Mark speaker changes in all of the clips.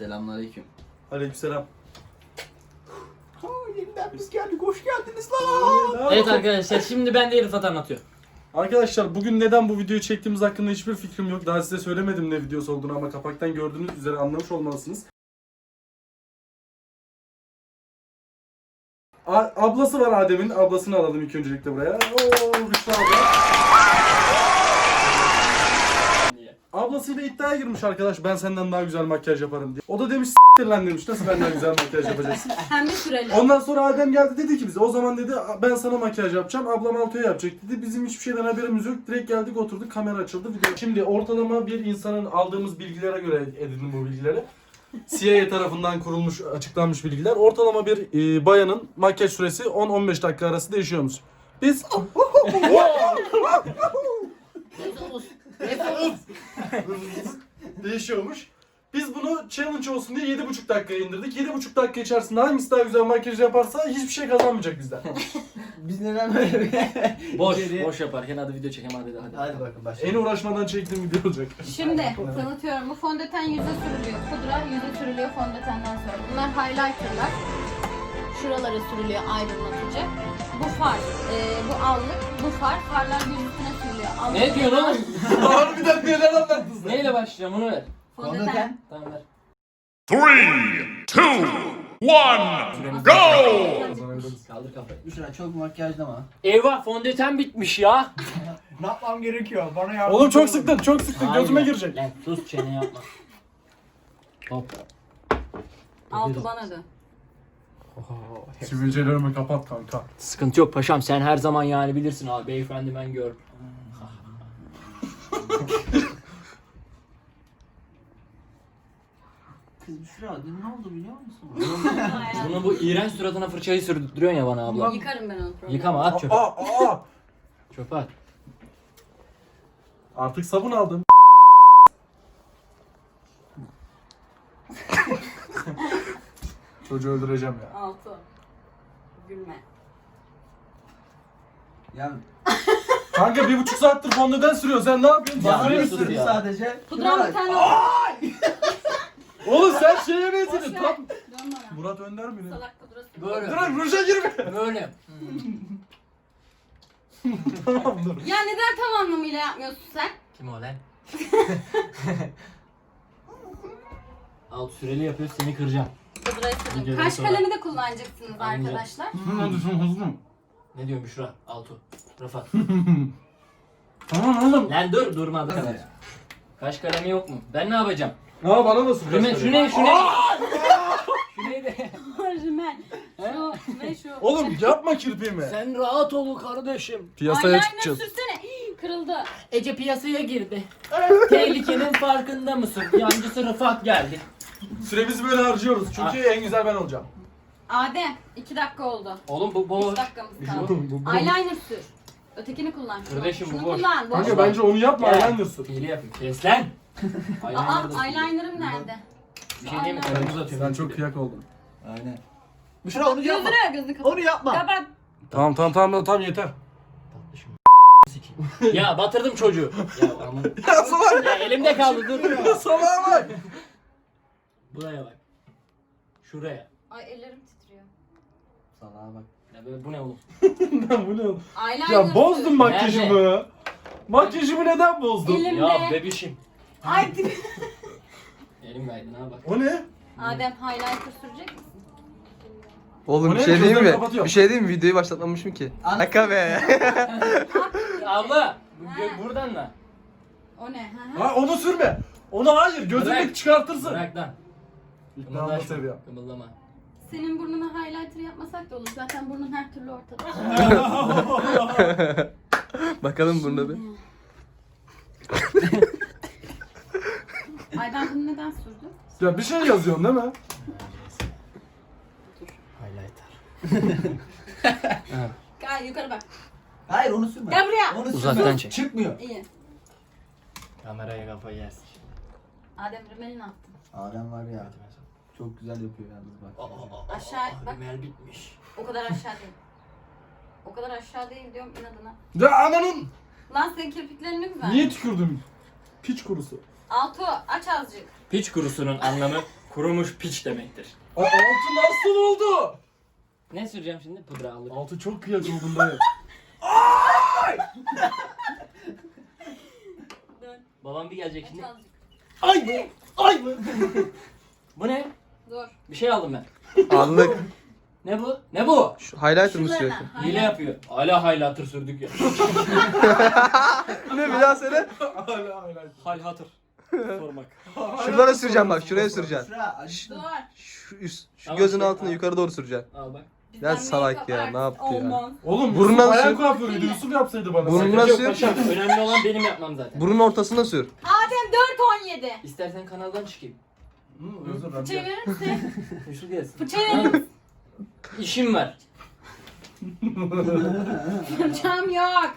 Speaker 1: Selamünaleyküm.
Speaker 2: Aleykümselam.
Speaker 3: Yeniden biz geldik, hoş geldiniz lan.
Speaker 1: Evet arkadaşlar şimdi ben de Rıfat anlatıyor.
Speaker 2: Arkadaşlar bugün neden bu videoyu çektiğimiz hakkında hiçbir fikrim yok. Daha size söylemedim ne videosu olduğunu ama kapaktan gördüğünüz üzere anlamış olmalısınız. Ablası var Adem'in. Ablasını alalım ilk öncelikle buraya. Oo, Rüştü abla. Ablasıyla iddiaya girmiş arkadaş, ben senden daha güzel makyaj yaparım diye. O da demiş s**tir lan demiş, nasıl benden güzel makyaj yapacaksın?
Speaker 4: Hem de süreli.
Speaker 2: Ondan sonra Adem geldi dedi ki bize, o zaman dedi ben sana makyaj yapacağım, ablam Altuğ'a yapacak dedi. Bizim hiçbir şeyden haberimiz yok, direkt geldik oturduk, kamera açıldı video. Şimdi ortalama bir insanın aldığımız bilgilere göre edindim bu bilgileri. CIA tarafından kurulmuş, açıklanmış bilgiler. Ortalama bir bayanın makyaj süresi 10-15 dakika arası değişiyormuş. Biz... Değişiyormuş. Biz bunu challenge olsun diye 7,5 dakikaya indirdik. 7,5 dakika içerisinde hangisi daha güzel makyaj yaparsa hiçbir şey kazanmayacak bizden.
Speaker 3: Biz neden böyle bir
Speaker 1: Boş yaparken hadi video çekelim hadi.
Speaker 3: Hadi bakın
Speaker 2: En
Speaker 3: başlayalım.
Speaker 2: uğraşmadan çektiğim video olacak.
Speaker 4: Şimdi tanıtıyorum. Bu fondöten yüze sürülüyor. Pudra yüze sürülüyor fondötenden sonra. Bunlar highlighterlar. Şuralara sürülüyor aydınlatıcı. Bu far, bu allık, bu far. Farlar yüz üstüne sürülüyor. Allık,
Speaker 1: Ne diyorsun oğlum?
Speaker 2: Harbiden neler anlattın sen?
Speaker 1: Neyle başlayacağım onu ver.
Speaker 4: Fondöten.
Speaker 1: Tamam ver.
Speaker 5: 3, 2, 1, go!
Speaker 1: Kaldır kafayı.
Speaker 3: Büşra çok makyajlama.
Speaker 1: Eyvah fondöten bitmiş ya.
Speaker 3: Ne yapmam gerekiyor? Bana yardım
Speaker 2: Oğlum çok sıktın, çok sıktın. Gözüme girecek.
Speaker 1: Lan sus çene yapma. Hop.
Speaker 4: Altı bana dön.
Speaker 2: Sivilcelerimi kapat kanka.
Speaker 1: Sıkıntı yok paşam sen her zaman yani bilirsin abi beyefendi ben gör.
Speaker 3: Kız Büşra dün ne oldu biliyor musun?
Speaker 1: Bunun bu iğrenç suratına fırçayı sürdürüyorsun ya bana abla.
Speaker 4: Yıkarım ben onu. problem.
Speaker 1: Yıkama at çöpe.
Speaker 2: Aa!
Speaker 1: Çöpe at.
Speaker 2: Artık sabun aldım. Çocuğu öldüreceğim ya.
Speaker 4: Altı. Gülme.
Speaker 3: Ya
Speaker 2: Kanka 1,5 saattir fondöten sürüyor. Sen ne yapıyorsun?
Speaker 3: bana
Speaker 1: Bağırıyor
Speaker 3: bir
Speaker 1: sus
Speaker 3: sürdü
Speaker 1: ya.
Speaker 3: sadece.
Speaker 4: Pudram
Speaker 3: Şuna
Speaker 4: bir
Speaker 3: bak.
Speaker 4: tane
Speaker 2: Oğlum sen şeye
Speaker 4: Boş
Speaker 2: benzedin.
Speaker 4: ver.
Speaker 2: Tam
Speaker 4: Dön bana.
Speaker 2: Murat Önder mi ne?
Speaker 4: Salak pudrası.
Speaker 1: Böyle.
Speaker 2: Dur ruja girme.
Speaker 1: Böyle.
Speaker 2: Tamam dur.
Speaker 4: Ya neden tam anlamıyla yapmıyorsun sen?
Speaker 1: Kim o lan? Alt süreli yapıyoruz seni kıracağım.
Speaker 4: Pudrayı sürün.
Speaker 1: Videodan
Speaker 4: Kaş
Speaker 1: sonra.
Speaker 4: kalemi de kullanacaksınız
Speaker 1: Anlayacağım.
Speaker 4: arkadaşlar.
Speaker 2: Hızlı.
Speaker 1: Ne diyorsun Büşra? Altu. Rıfat.
Speaker 2: Tamam oğlum.
Speaker 1: Lan dur durmadı kadar. Kaş kalemi yok mu? Ben ne yapacağım?
Speaker 2: Aa bana da sür.
Speaker 1: Şu ne? Şu ne? Şu ne? Şu neydi?
Speaker 4: Rimel. Şu ve şu.
Speaker 2: Oğlum yapma kirpiğimi.
Speaker 1: Sen rahat ol kardeşim.
Speaker 2: Piyasaya
Speaker 4: Eyeliner
Speaker 2: çıkacağız.
Speaker 4: sürsene. Hii, kırıldı.
Speaker 1: Ece piyasaya girdi. Tehlikenin farkında mısın? Yancısı Rıfat geldi.
Speaker 2: Süremizi böyle harcıyoruz. Çünkü en güzel ben olacağım.
Speaker 4: Adem 2 dakika oldu.
Speaker 1: Oğlum bu
Speaker 4: 3
Speaker 1: boş.
Speaker 4: dakikamız
Speaker 1: Bir
Speaker 4: kaldı.
Speaker 2: Bu-
Speaker 4: Eyeliner sür. Ötekini kullan. Şunu,
Speaker 1: Kardeşim, bu
Speaker 4: şunu
Speaker 1: boş.
Speaker 4: kullan. Boş.
Speaker 2: Kanka bence onu yapma.
Speaker 1: Gel.
Speaker 2: Eyeliner sür.
Speaker 1: Hile yapayım. Kes lan.
Speaker 4: Aa eyeliner'ım nerede?
Speaker 1: Bir şey diyeyim mi? Karamız atıyorum.
Speaker 2: Sen çok kıyak oldun.
Speaker 1: Aynen.
Speaker 3: Büşra onu yapma.
Speaker 4: Gözünü kapat.
Speaker 3: Onu yapma.
Speaker 4: Kapat.
Speaker 2: Tamam yeter.
Speaker 1: Tatlışım. Ya batırdım çocuğu. Ya aman.
Speaker 2: Ya salak.
Speaker 1: Ya elimde kaldı dur.
Speaker 2: Salağa bak.
Speaker 1: Buraya bak. Şuraya.
Speaker 4: Ay ellerim titriyor.
Speaker 3: Salaha bak.
Speaker 1: Ya böyle bu ne oğlum?
Speaker 2: Bu ne oğlum?
Speaker 4: Eyeliner
Speaker 2: Ya bozdun
Speaker 4: sür.
Speaker 2: makyajımı. Makyajımı neden bozdun?
Speaker 4: Elimde.
Speaker 1: Ya bebişim.
Speaker 4: Ay
Speaker 1: Elim kaydı ne bak.
Speaker 2: O ne?
Speaker 4: Adem highlighter sürecek misin?
Speaker 6: Oğlum
Speaker 2: O
Speaker 6: bir
Speaker 2: ne?
Speaker 6: şey diyeyim
Speaker 2: Gözlerimi
Speaker 6: mi?
Speaker 2: kapatıyorum.
Speaker 6: Bir şey diyeyim mi? Videoyu başlatmamışım ki. Şaka be.
Speaker 1: Ya abla.
Speaker 4: Ha.
Speaker 1: Buradan da.
Speaker 4: O ne? Ha?
Speaker 2: Ha onu sürme. Onu hayır. Gözünü
Speaker 1: Bırak.
Speaker 2: çıkartırsın.
Speaker 1: Bırak lan.
Speaker 2: İkna
Speaker 1: Kımıldaşma.
Speaker 2: seviyor.
Speaker 1: Kımıldama.
Speaker 4: Senin burnuna highlighter yapmasak da olur. Zaten burnun her türlü ortada.
Speaker 6: Bakalım bunda bir.
Speaker 4: Ay ben bunu neden sürdüm?
Speaker 2: Ya bir şey yazıyorsun değil mi?
Speaker 1: Highlighter.
Speaker 4: Gel yukarı bak.
Speaker 3: Hayır onu sürme.
Speaker 4: Gel buraya.
Speaker 3: Onu sürme.
Speaker 1: Uzaktan çek.
Speaker 3: Çıkmıyor.
Speaker 4: İyi.
Speaker 1: Kameraya kafayı yersin.
Speaker 4: Adem rimeli ne yaptın?
Speaker 3: Adem var ya. Çok güzel yapıyor yalnız bak.
Speaker 4: Aşağı bak.
Speaker 1: Rimel bitmiş.
Speaker 4: O kadar aşağı değil. O kadar aşağı değil diyorum inadına.
Speaker 2: Ya ananın.
Speaker 4: Lan senin kirpiklerin ne güzel.
Speaker 2: Niye tükürdün? Piç kurusu.
Speaker 4: Altu aç azıcık.
Speaker 1: Piç kurusunun anlamı kurumuş piç demektir.
Speaker 2: Altı nasıl oldu?
Speaker 1: Ne süreceğim şimdi? Pudra alır.
Speaker 2: Altı çok kıyak oldum dayı.
Speaker 1: Babam bir gelecek şimdi.
Speaker 4: Aç azıcık.
Speaker 1: Ay mı? Ay mı? Bu ne?
Speaker 4: Dur.
Speaker 1: Bir şey aldım ben.
Speaker 6: Anlık.
Speaker 1: Ne bu? Ne bu?
Speaker 6: Şu highlighter mı sürekli?
Speaker 4: Şunlarına.
Speaker 1: Hile yapıyor. Hala highlighter sürdük ya.
Speaker 6: Ne bir daha söyle.
Speaker 2: Hala.
Speaker 1: Highlighter. Sormak.
Speaker 6: Şuralara süreceğim bak, şuraya süreceğim.
Speaker 3: Şura aç.
Speaker 4: Dur.
Speaker 6: Şu üst, şu
Speaker 1: Tamam,
Speaker 6: gözün
Speaker 1: şey,
Speaker 6: altına
Speaker 1: al.
Speaker 6: yukarı doğru süreceğim.
Speaker 1: Al bak.
Speaker 6: Ya
Speaker 4: Bizden
Speaker 6: salak
Speaker 4: make-up
Speaker 6: ya, ne
Speaker 4: artist
Speaker 6: yaptı ya?
Speaker 4: olmaz.
Speaker 2: Oğlum
Speaker 6: Burnuna
Speaker 2: Yusuf bayan
Speaker 6: sür.
Speaker 2: kuaförüydü. Yusuf yapsaydı bana.
Speaker 6: Burnuna
Speaker 1: Sakınca yok
Speaker 6: sür.
Speaker 1: paşam. Önemli olan benim yapmam zaten.
Speaker 6: Burnun ortasına sür.
Speaker 4: Adem 4-17.
Speaker 1: İstersen kanaldan çıkayım.
Speaker 2: Özür dilerim.
Speaker 4: Fırçayı verir misin?
Speaker 1: Yusuf gelsin.
Speaker 4: Fırçayı verir misin?
Speaker 1: İşim var.
Speaker 4: Fırçam yok.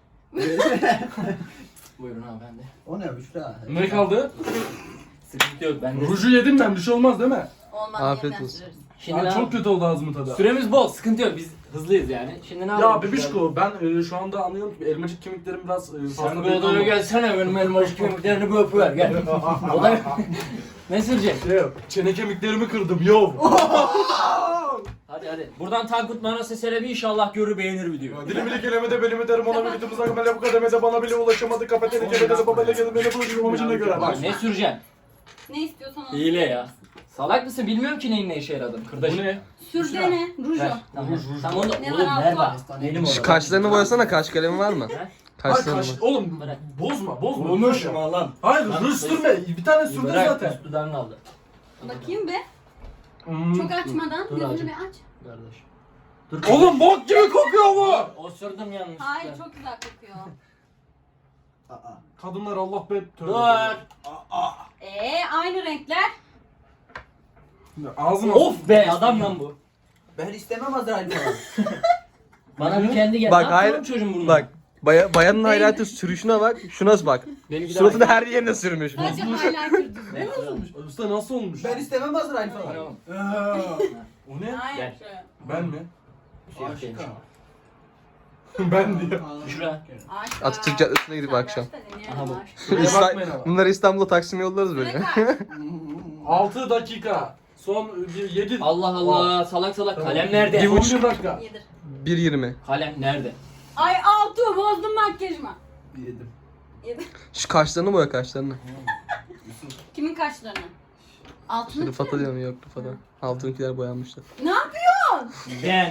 Speaker 1: Buyurun hanımefendi.
Speaker 3: O ne Büşra?
Speaker 2: Ne kaldı?
Speaker 1: Sıkıntı yok bende.
Speaker 2: Ruju yedim ben. Bir şey olmaz değil mi?
Speaker 4: Olmaz.
Speaker 6: Afiyet
Speaker 4: yeniden
Speaker 6: olsun.
Speaker 4: süreriz.
Speaker 1: Şimdi
Speaker 2: Aa,
Speaker 1: ne
Speaker 2: çok kötü oldu ağzımın tadı.
Speaker 1: Süremiz bol, sıkıntı yok. Biz hızlıyız yani. Şimdi ne yapalım?
Speaker 2: Ya bebişko ben şu anda anlıyorum ki elmacık kemiklerim biraz
Speaker 1: Sen
Speaker 2: fazla
Speaker 1: bir odaya gelsene benim elmaşı kemiklerini bir öpüver gel. Odaya... Ne süreceksin?
Speaker 2: Şey, çene kemiklerimi kırdım yo.
Speaker 1: Hadi hadi. Buradan Tankut Manası Selebi inşallah görür beğenir video.
Speaker 2: Dilimi kelimede belimi derim ona bir bütümüz akımele bu kademede bana bile ulaşamadı kapateni kelimede babayla gelin beni buluşum amacına göre.
Speaker 1: Bak ne süreceksin?
Speaker 4: Ne istiyorsan onu.
Speaker 1: Hile ya. Salak mısın? Bilmiyorum ki neyin ne işe yaradığını.
Speaker 2: Bu
Speaker 1: Kırdaşım.
Speaker 2: ne?
Speaker 4: Sür dene. Ruj
Speaker 1: Ver.
Speaker 4: o.
Speaker 1: Tamam.
Speaker 2: Ruj.
Speaker 1: Tamam onu
Speaker 4: Ne
Speaker 1: oğlum
Speaker 4: var
Speaker 1: ver
Speaker 4: abla?
Speaker 1: bana. Benim
Speaker 6: Şu
Speaker 1: orada.
Speaker 6: kaşlarını boyasana, kaş kalemi var mı?
Speaker 1: He?
Speaker 2: Hayır
Speaker 6: Kaşlarını
Speaker 2: kaş,
Speaker 6: boy.
Speaker 2: oğlum
Speaker 1: Bırak.
Speaker 2: bozma.
Speaker 1: Olmuş mu lan?
Speaker 2: Hayır
Speaker 1: Lan,
Speaker 2: ruj sürme. Bir tane sürdün
Speaker 1: Bırak,
Speaker 2: zaten.
Speaker 1: üst dudağını aldı.
Speaker 4: Bakayım be.
Speaker 2: Hmm.
Speaker 4: Çok açmadan
Speaker 1: Dur
Speaker 4: gözünü
Speaker 1: azıcık.
Speaker 4: bir aç.
Speaker 1: Kardeş. Dur.
Speaker 2: Oğlum bok gibi kokuyor bu.
Speaker 1: Osurdum yanlışlıkla.
Speaker 4: Hayır çok güzel kokuyor.
Speaker 3: Aa.
Speaker 2: Kadınlar Allah be tövbe.
Speaker 1: Dur.
Speaker 4: Aynı renkler.
Speaker 2: Ağzıma.
Speaker 1: Of be adam lan bu.
Speaker 3: Ben istemem Azrail falan.
Speaker 1: Bana bir kendi gel.
Speaker 6: Bak,
Speaker 1: Ne
Speaker 6: hayır.
Speaker 1: yapıyorsun çocuğun burnuna?
Speaker 6: Bak, bayanın highlighter sürüşüne bak, şuna bak.
Speaker 1: Benimki de
Speaker 6: Suratını
Speaker 1: aynı.
Speaker 6: her yerine sürmüş.
Speaker 4: Sadece highlighter düzgün.
Speaker 1: Ne olmuş?
Speaker 2: Usta nasıl olmuş?
Speaker 3: Ben istemem Azrail
Speaker 1: Tamam.
Speaker 3: falan.
Speaker 2: O ne?
Speaker 4: Hayır.
Speaker 1: Gel.
Speaker 2: Ben mi?
Speaker 1: Siyah değilmiş.
Speaker 2: Ben diyor.
Speaker 1: Şura.
Speaker 4: Aşka.
Speaker 6: Atatürk Caddesi'ne gidip akşam.
Speaker 1: Aha bu.
Speaker 2: Şuraya bakmayın ama.
Speaker 6: Bunları İstanbul'a Taksim'e yollarız böyle.
Speaker 2: 6 dakika. Son 7.
Speaker 1: Allah Allah salak salak kalem nerede?
Speaker 6: Bir
Speaker 2: Son
Speaker 6: buçuk.
Speaker 2: 1 dakika.
Speaker 4: Yedir.
Speaker 6: 1.20.
Speaker 1: Kalem nerede?
Speaker 4: Ay Altuğ bozdun makyajımı.
Speaker 3: Yedim.
Speaker 4: Yedir.
Speaker 6: Şu kaşlarını boya, kaşlarını.
Speaker 4: Kimin kaşlarını? Altını
Speaker 6: Rıfat'a diyorum, yok Rıfat'a. Altınkiler boyanmışlar.
Speaker 4: Ne yapıyorsun?
Speaker 1: Ben.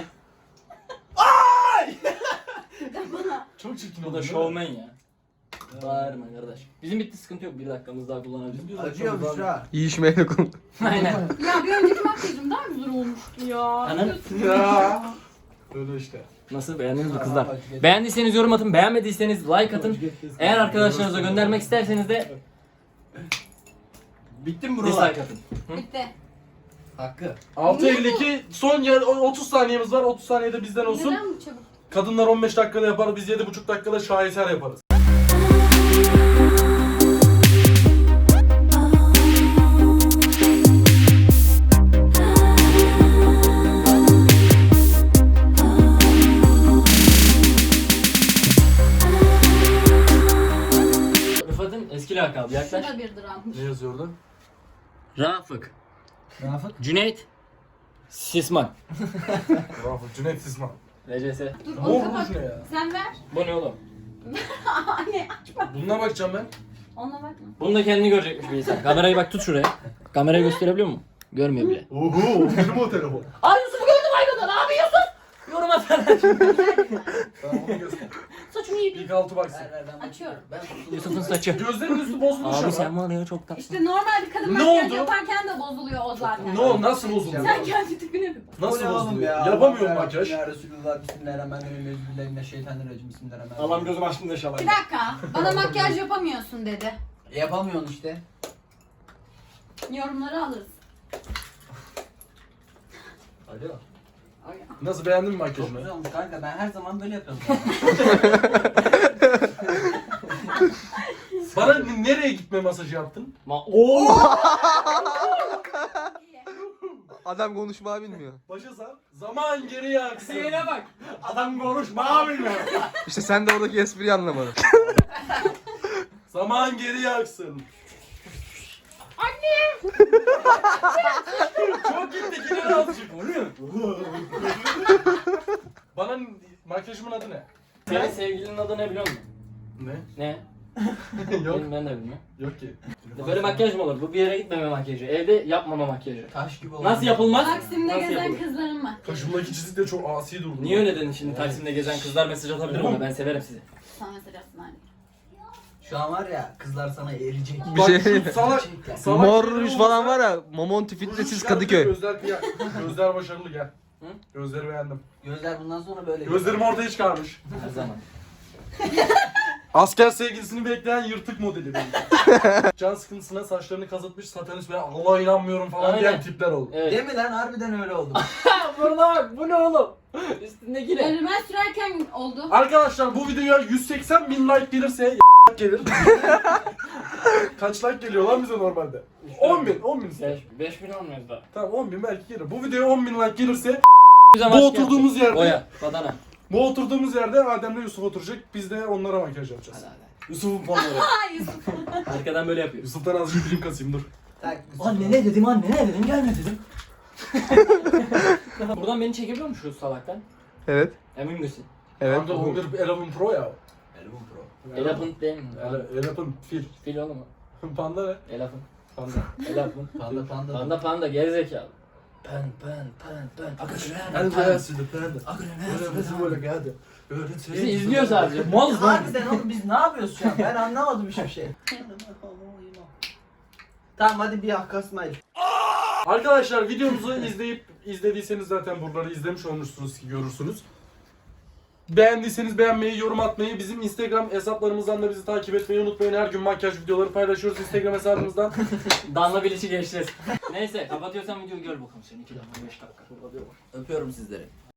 Speaker 2: Çok çirkin
Speaker 1: Bu
Speaker 2: oldu.
Speaker 1: da şovmen ya. Bağırma kardeş. Bizim bitti sıkıntı yok. Bir dakikamız daha kullanabiliriz.
Speaker 3: Acıyor Büşra.
Speaker 6: İyi işmeyle konu.
Speaker 1: Aynen.
Speaker 4: Ya bir önceki makyajım daha güzel olmuştu ya.
Speaker 1: Anam.
Speaker 2: Ya. Öyle işte.
Speaker 1: Nasıl beğendiniz mi kızlar? Beğendiyseniz yorum atın, beğenmediyseniz like atın. Eğer arkadaşlarınıza göndermek isterseniz de
Speaker 3: Bitti mi buralar?
Speaker 1: dislike atın.
Speaker 4: Bitti.
Speaker 3: Hakkı.
Speaker 2: 6.52 son yer 30 saniyemiz var. 30 saniyede bizden olsun.
Speaker 4: Neden bu çabuk?
Speaker 2: Kadınlar 15 dakikada yapar. Biz 7,5 dakikada şaheser yaparız.
Speaker 1: Rıfat'ın eski lakabı yaklaş.
Speaker 4: Şurada bir drammış.
Speaker 2: Ne yazıyordu?
Speaker 1: Rafık.
Speaker 3: Rafık.
Speaker 1: Cüneyt. Sisman.
Speaker 2: Bravo. Cüneyt Sisman.
Speaker 1: RCS.
Speaker 4: Dur
Speaker 2: Mor
Speaker 4: onu
Speaker 2: ruj
Speaker 4: kapat.
Speaker 2: ne ya?
Speaker 4: Sen ver.
Speaker 1: Bu ne oğlum?
Speaker 4: Anne açma.
Speaker 2: Bununla bakacağım ben.
Speaker 4: Ona bakma.
Speaker 1: Bunu da kendini görecekmiş bir insan. Kamerayı bak tut şuraya. Kamerayı gösterebiliyor mu? Görmüyor bile.
Speaker 2: Oho, benim o telefon.
Speaker 1: Ay Yusuf'u gördüm aygada. Ne yapıyorsun? Yorum atsana.
Speaker 2: Tamam onu göster.
Speaker 4: Saçımı yedi.
Speaker 2: İlk altı baksın.
Speaker 4: Açıyorum.
Speaker 1: Yusuf'un saçı.
Speaker 2: Gözlerin üstü bozulmuş
Speaker 1: Abi
Speaker 2: ama.
Speaker 1: sen var ya çok tatlı.
Speaker 4: İşte normal bir kadın
Speaker 2: Ne
Speaker 4: makyaj
Speaker 2: oldu?
Speaker 4: yaparken de bozuluyor o zaten.
Speaker 2: Ne oldu? Nasıl bozuldu?
Speaker 4: Sen kendi tipine bir bak.
Speaker 2: Nasıl
Speaker 3: Bu ne oğlum
Speaker 2: bozuldu?
Speaker 3: ya?
Speaker 2: Yapamıyorum
Speaker 3: Allah
Speaker 2: makyaj.
Speaker 3: Ya Resulullah bismillahirrahmanirrahim. Bismillahirrahmanirrahim. Bismillahirrahmanirrahim.
Speaker 1: Allah'ım gözüm açtım da inşallah.
Speaker 4: Bir dakika. Bana makyaj yapamıyorsun dedi.
Speaker 3: Yapamıyorsun işte.
Speaker 4: Yorumları alırız.
Speaker 3: Alo.
Speaker 2: Nasıl beğendin mi
Speaker 3: Çok
Speaker 2: makyajımı?
Speaker 3: güzel olmuş kanka. Ben her zaman böyle yapıyorum.
Speaker 2: Bana nereye gitme masajı yaptın?
Speaker 1: Oo!
Speaker 6: Adam konuşmayı bilmiyor.
Speaker 2: Başa sar. Zaman geriye aksın.
Speaker 1: Şeyine bak. Adam konuşma bilmiyor.
Speaker 6: İşte sen de oradaki espriyi anlamadın.
Speaker 2: Zaman geriye aksın. Yok gitti gider azıcık. Bana makyajımın adı ne?
Speaker 1: Senin sevgilinin adı ne biliyor musun?
Speaker 2: Ne?
Speaker 1: Ne?
Speaker 2: Yok.
Speaker 1: Ben de bilmiyorum.
Speaker 2: Yok ki.
Speaker 1: Böyle makyaj mı olur? Bu bir yere gitmeme makyajı. Evde yapmama makyajı.
Speaker 3: Taş gibi oldu.
Speaker 1: Nasıl yapılmaz?
Speaker 4: Taksim'de
Speaker 1: Nasıl
Speaker 4: gezen
Speaker 1: yapılır?
Speaker 4: kızların var.
Speaker 2: Kaşımdaki çizik de çok asi durdu.
Speaker 1: Niye öyle dedin şimdi? Taksim'de gezen kızlar mesaj atabilir bana. Ben severim sizi.
Speaker 4: Sana mesaj atsın anne.
Speaker 3: Şu an var ya kızlar sana erecek.
Speaker 6: Bir
Speaker 2: Bak
Speaker 6: şey
Speaker 2: şu salak. salak
Speaker 6: Mor
Speaker 2: şeyleri
Speaker 6: ruj
Speaker 2: olursa-
Speaker 6: falan var ya. Momonti Fitnessiz Kadıköy.
Speaker 2: Gözler kıyak. Gözler başarılı gel.
Speaker 1: Hı?
Speaker 2: Gözleri beğendim.
Speaker 3: Gözler bundan sonra böyle.
Speaker 2: Gözlerim ortaya çıkarmış.
Speaker 1: Her zaman.
Speaker 2: Asker sevgilisini bekleyen yırtık modeli benim. Can sıkıntısına saçlarını kazıtmış satanist ve Allah'a inanmıyorum falan
Speaker 1: Aynen.
Speaker 2: diyen tipler oldu.
Speaker 1: Evet.
Speaker 3: Değil mi lan? Harbiden öyle oldu.
Speaker 1: Burada bak. Bu ne oğlum? Üstündeki ne?
Speaker 4: Önüme sürerken oldu.
Speaker 2: Arkadaşlar bu videoya 180 bin like gelirse gelir. Kaç like geliyor lan bize normalde? 10 bin, 10 bin.
Speaker 1: 5000 olmuyor da.
Speaker 2: Tamam 10 bin belki gelir. Bu videoya 10 bin like gelirse
Speaker 1: Bize
Speaker 2: bu oturduğumuz yerde
Speaker 1: Oya. Badana.
Speaker 2: bu oturduğumuz yerde Adem'le Yusuf oturacak. Biz de onlara makyaj yapacağız.
Speaker 1: Hadi hadi.
Speaker 2: Yusuf'un fanları.
Speaker 4: Ay Yusuf.
Speaker 1: Arkadan böyle yapıyor.
Speaker 2: Yusuf'tan azıcık dilim kasayım dur.
Speaker 3: Tak.
Speaker 1: Anne ne dedim anne ne dedim gelme dedim. Buradan beni çekebiliyor musun şu salaktan?
Speaker 6: Evet.
Speaker 1: Emin misin?
Speaker 6: Evet.
Speaker 2: Kanka bu bir Eleven Pro ya.
Speaker 3: Elbum Pro.
Speaker 1: Elephant değil mi?
Speaker 2: Eleven fil.
Speaker 1: Fil oğlum o.
Speaker 2: Panda ne?
Speaker 1: Elephant.
Speaker 2: Panda.
Speaker 1: Elephant.
Speaker 3: Panda.
Speaker 1: Panda gerizekalı. Pen.
Speaker 2: Böyle geldi.
Speaker 1: Bizi izliyor sadece. Malız lan.
Speaker 3: Harbiden oğlum biz ne yapıyoruz şu an? Ben anlamadım hiçbir şey. Tamam hadi bir Hakkasmayl.
Speaker 2: Arkadaşlar videomuzu izlediyseniz zaten buraları izlemiş olmuşsunuz ki görürsünüz. Beğendiyseniz beğenmeyi, yorum atmayı, bizim Instagram hesaplarımızdan da bizi takip etmeyi unutmayın. Her gün makyaj videoları paylaşıyoruz Instagram hesabımızdan.
Speaker 1: Danla Bilic'i geçeceğiz. Neyse kapatıyorsan videoyu gör bakalım sen 2 dakika 5 dakika.
Speaker 3: Öpüyorum sizleri.